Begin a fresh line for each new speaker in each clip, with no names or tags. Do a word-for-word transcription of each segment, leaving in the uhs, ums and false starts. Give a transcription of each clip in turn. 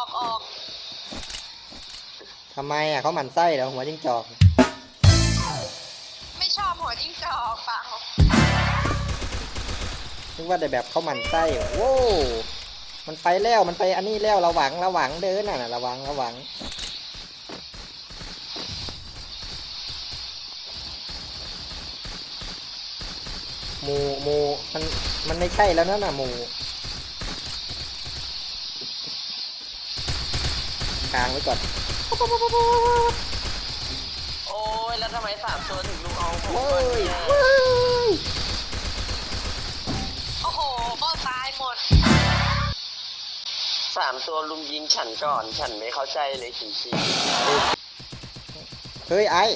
ออก
ทำไมอ่ะเขาหมั่นไส้เหรอหัวจิ้งจอก
ไม่ชอบหัวจิ้งจอกเปล่า
นึกว่าแต่แบบเขาหมั่นไส้โว้มันไปแล้วมันไปอันนี้แล้วระวังระวังเดินน่ะระวังระวังหมูหมูมันมันไม่ใช่แล้วนั่นน่ะหมูกลางไว้ก่อน
โอ้ยแล้วทำไมสามตัวถึงลุงเอาผม
เว้
ก่อน
ย
เนี่ย
เว้ย
โอ้โหก็ตายหมด
สามตัวลุงยิงฉันก่อนฉันไม่เข้าใจเลยจริง
เฮ้ยไอ้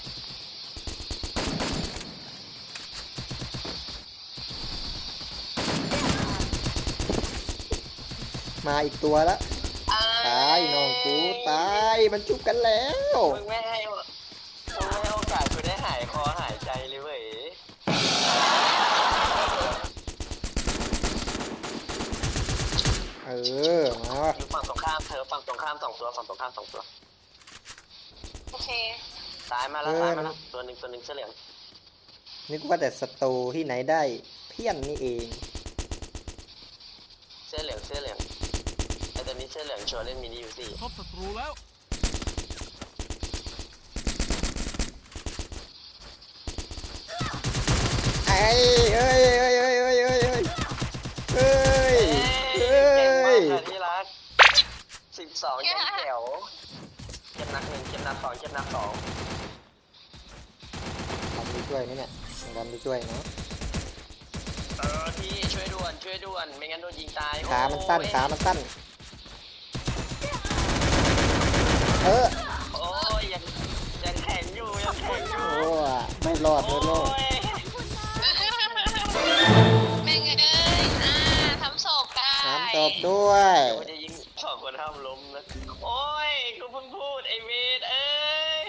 มาอีกตัวแล้วตายน้องกูตายมันจุบกันแล้ว
มึงไม่ให้มึงไม่ให้โอกาสกูได้หายคอหายใจเลยเว้ย
เออมา
อยู่ฝั่งตรงข้ามเธอฝั่งตรงข้ามสองตัวฝั่งตรงข้ามสองตัว
โอเค
ตายมาแล้วตายมาแล้วตัวหนึ่งตัวหนึ่งเสื้อเหลือง
นึกว่าแต่สตูที่ไหนได้เพี้ยนนี่เอง
เสื้อเหลืองเสื้อเหลืองไอตัวนี้เสื้อเหลืองโชว์เล่นมินิยูซี่
พบศัตรูแล้ว
ไอ้เอ้ยเอ้ยเอ้ยเอ้ยเอ้ยเอ้ยเอ้ยเอ้ย
เก่งมากค่ะที่รักสิบสองยังแจ๋วเก็บนักหนึ่งเก็บนักสองเก็บนักสอง
ทำไปช่วยไหมเนี่ยทำไปช่วยเนาะ
เออพี่ช่วยด่วนช่วยด่วนไม่งั้นโดนยิงตาย
ขามันสั้นขามันสั้นเออ
โอ้ยยังยังแข็งอยู่ยังแข็งอยู่
โอ้ไม่รอดไม่รอด
แม่งเอ้ยอ่าทำศพได้
น้ำตบด้วย
เดี๋ยวมันจะยิงสองคนห้ามล้มนะโอ้ยกูเพิ่งพูดไอเวทเอ้ย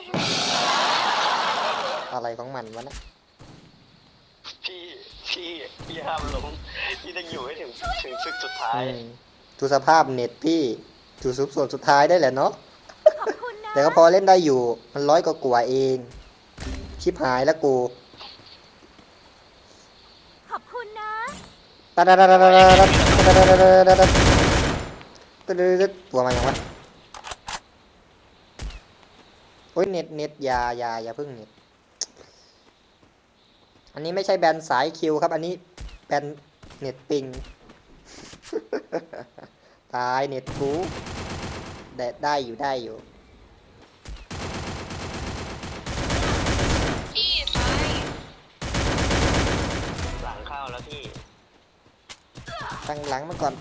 อะไรของมันวะนะ
พี่พี่พี่ห้ามล้มพี่ต้องอยู่ให้ถึงถึงศึกสุดท้าย
ดูสภาพเน็ตพี่ดูสุดส่วนสุดท้ายได้แหละเนาะแต่ก็พอเล่นได้อยู่มันร้อยกว่ากว่าเองชิบหายแล้วกู
ขอบคุณนะ
ตาดาดาดาดาดาดาดาดาดาดาดาตัวมันยังวะโอ้ยเน็ตเน็ตยายาอย่าพึ่งเน็ตอันนี้ไม่ใช่แบนสายคิวครับอันนี้แบนเน็ตปิงตายเน็ตกูได้ได้อยู่ได้อยู่
พี่ตาย
หลังเข้าแล้วพี่
ตั้งหลังมาก่อน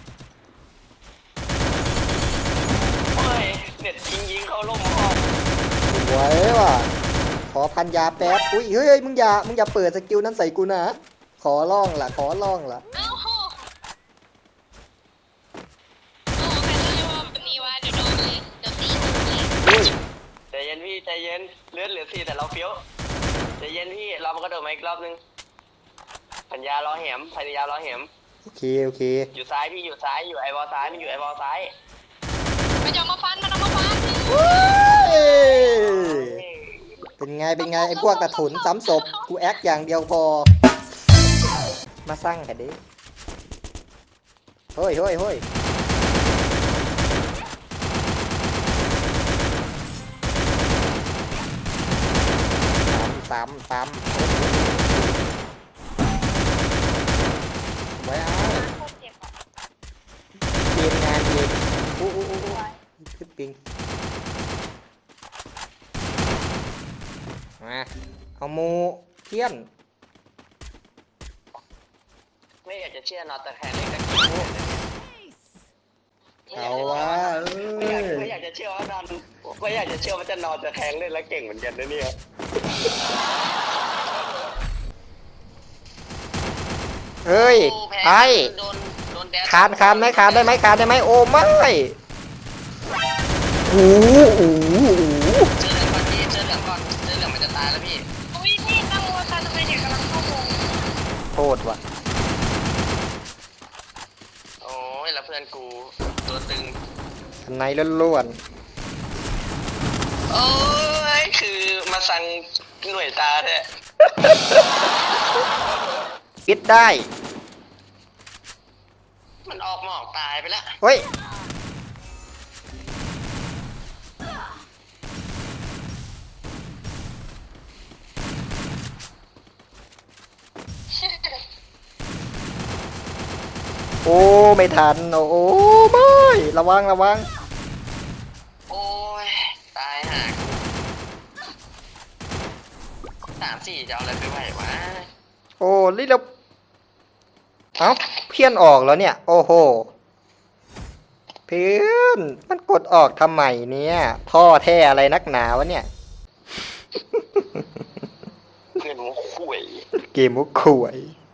โอ้ยเน็ตยิงยิงเข้าล่มห้อง
สวยว่ะขอพันยาแป๊บอุ้ยเฮ้ยมึงอย่ามึงอย่าเปิดสกิลนั้นใส่กูนะขอร้องล่ะขอร้องล่ะ
เอ้าโหโอ้ใครจะเรียกว่าแบบนี้วะเดี๋ยวโดนเลยเดี๋ยวตีเลย
อุ้ย
ใจเย็นพี่ใจเย็นเลือดเหลือสี่แต่เราเฟี้ยวใจเย็นพี่เรามากระโดดมาอีกรอบนึงพันยารอแหมพันยารอแหม
โอเคโอเค
อยู่ซ้ายพี่อยู่ซ้ายอยู่ไอวอลซ้ายมันอยู่ไอวอลซ้าย
มันจะมาฟันมันเอามาฟัน
เป็นไงเป็นไงไอ้พวกกระถุนซ้ำศพกูแอคอย่างเดียวพอมาสร้างกันดิเฮ้ยเฮ้ยเฮ้ยซ้ำซ้ำไว้เอาเกมงานเกมโอ้โหขึ้นปิงมาเอาโมเทียน
ไม่อยากจะเชื่อนอตแต่แคนเล่นกับกิน
เอาวะ
ไม่อยากไม่อยากจะเชื่อว่านอนไม่อยากจะเชื่อว่าจะนอนจะแทงเล่นแล้วเก่งเหมือนกันนะเนี่ย
เฮ้ยไอ้คานคานไหมคานได้ไหมคานได้ไหมโอ้ไม่โอ้โห
เจอเหลืองก่อนพี่เจอเหลืองก่อนเจอเหลืองมันจะตายแล้วพี่
อุ้ยพี่ตั้งโมซันทำไมเด็กกำลังเข้าวง
โทษว่ะ
โอ้ยแล้วเพื่อนกูตัวตึง
สไนด์ล้วน
โอ้ยคือมาสั่งหน่วยตาแท้
ๆปิดได้
มันออกหมอกตายไปแล้ว
เฮ้ย โอ้ ไม่ทัน โอ้โอ้ไม่ระวังระวัง
โอ้ยตายห่าสามสี่จะเอาอะไรไปไหววะ
โอ้นี่เราเอ้าเพี้ยนออกแล้วเนี่ย โอ้โห เพื่อนมันกดออกทำไมเนี่ยท่อแท้อะไรนักหนาวะเนี่ย
เพื่อนหัวคุย
เกมมุกข่วย